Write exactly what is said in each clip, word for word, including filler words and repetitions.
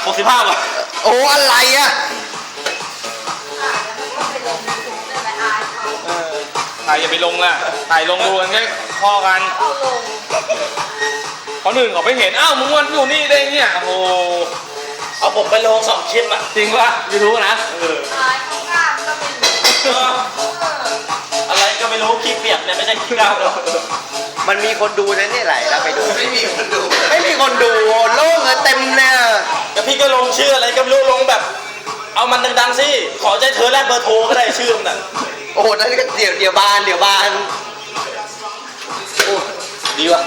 หกสิบห้าบาทโอ้อะไรอ่ะถ่ายอย่าไปลงอ่ะถ่ายลงดูกันแค่ข้อกันเขาหนึ่งเขาไปเห็นอ้าวมึงวันอยู่นี่ได้เนี่ยโอ้โหเอาผมไปลงสองคลิปอ่ะจริงป่ะยูทูบนะเอออะไรก็ไม่รู้คลิปเปียกเนี่ยไม่ใช่คลิปก้าวหรอกมันมีคนดูนะนี่ไหลแล้วไปดูไม่มีคนดูไม่มีคนดูโล่งเลยเต็มเลยแล้วพี่ก็ลงชื่ออะไรก็ไม่รู้ลงแบบเอามันดังๆสิขอใจเธอแลกเบอร์โทรก็ได้ชื่อมันน่ะโอ้นั่นก็เดี๋ยวเดี๋ยวบานเดี๋ยวบานโอ้ดีว่ะ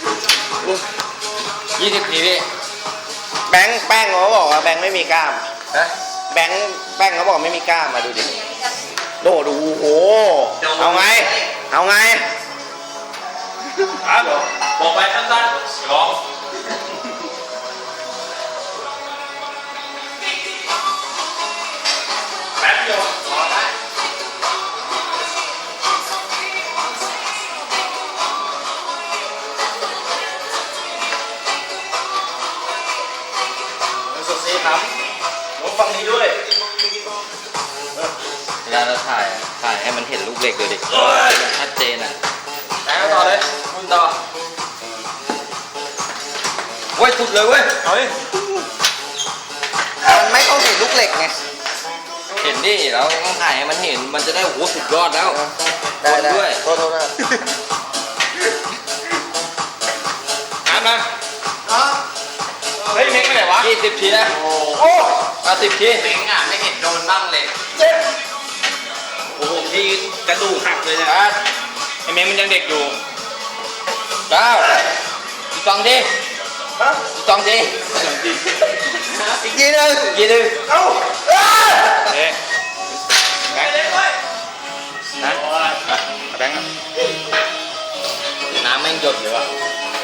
ยี่สิบทีพี่แบงค์แป้งเขาบอกว่าแบงค์ไม่มีกล้ามนะแบงค์แป้งเขาบอกไม่มีกล้ามมาดูดิโดดูโอ้เอาไงเอาไงครับบอกไปสั้นๆลองแป๊บเดียวพอได้สุดซีครับลองฟังนี้ด้วยเวลาเราถ่ายถ่ายให้มันเห็นลูกเหล็กเลยดิชัดเจนอ่ะแล้วต่อเลยคุณต่อเว้ยสุดเลยเว้ยเอาดิมันไม่ต้องเห็นลูกเหล็กไงเห็นดิเราต้องถ่ายให้มันเห็นมันจะได้โอ้โหสุดยอดแล้วได้ได้ด้วยโทษโทษนะอ่านมาเฮ้ยเม็กไปไหนวะยี่สิบทีนะโอ้เอาสิบทีเม็กอ่ะไม่เห็นโดนบ้างเลยเจ็บโอ้โหที่กระดูกหักเลยเนี่ยไอ้เม็กมันยังเด็กอยู่เก้าอีกสองทีอีกสองทีอีกทีนึงอีกทีนึงเอ้าเอ๊ะแบงค์นะแบงค์น้ำแม่งหยดเลยว่ะ